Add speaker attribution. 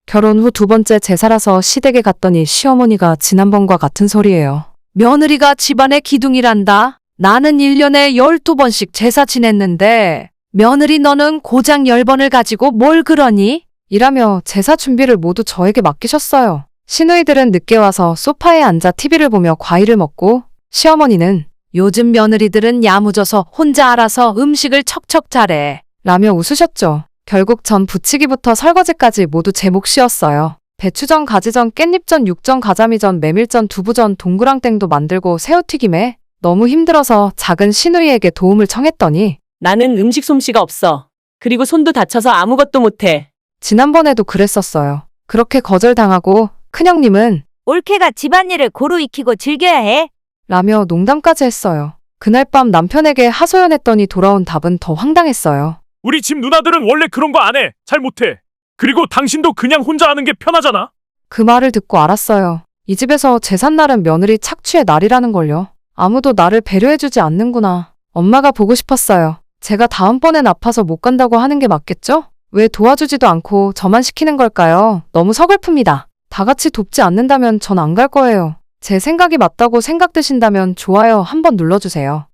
Speaker 1: 결혼 후 두 번째 제사라서 시댁에 갔더니 시어머니가 지난번과 같은 소리예요. 며느리가 집안의 기둥이란다. 나는 1년에 12번씩 제사 지냈는데 며느리 너는 고작 10번을 가지고 뭘 그러니? 이라며 제사 준비를 모두 저에게 맡기셨어요. 시누이들은 늦게 와서 소파에 앉아 TV를 보며 과일을 먹고 시어머니는 요즘 며느리들은 야무져서 혼자 알아서 음식을 척척 잘해 라며 웃으셨죠. 결국 전 부치기부터 설거지까지 모두 제 몫이었어요. 배추전, 가지전, 깻잎전, 육전, 가자미전, 메밀전, 두부전, 동그랑땡도 만들고 새우튀김에 너무 힘들어서 작은 시누이에게 도움을 청했더니
Speaker 2: 나는 음식 솜씨가 없어. 그리고 손도 다쳐서 아무것도 못해.
Speaker 1: 지난번에도 그랬었어요. 그렇게 거절당하고 큰형님은
Speaker 3: 올케가 집안일을 고루 익히고 즐겨야 해.
Speaker 1: 라며 농담까지 했어요. 그날 밤 남편에게 하소연했더니 돌아온 답은 더 황당했어요.
Speaker 4: 우리 집 누나들은 원래 그런 거 안 해. 잘 못해. 그리고 당신도 그냥 혼자 하는 게 편하잖아.
Speaker 1: 그 말을 듣고 알았어요. 이 집에서 제삿날은 며느리 착취의 날이라는 걸요. 아무도 나를 배려해주지 않는구나. 엄마가 보고 싶었어요. 제가 다음번엔 아파서 못 간다고 하는 게 맞겠죠? 왜 도와주지도 않고 저만 시키는 걸까요? 너무 서글픕니다. 다 같이 돕지 않는다면 전 안 갈 거예요. 제 생각이 맞다고 생각되신다면 좋아요 한번 눌러주세요.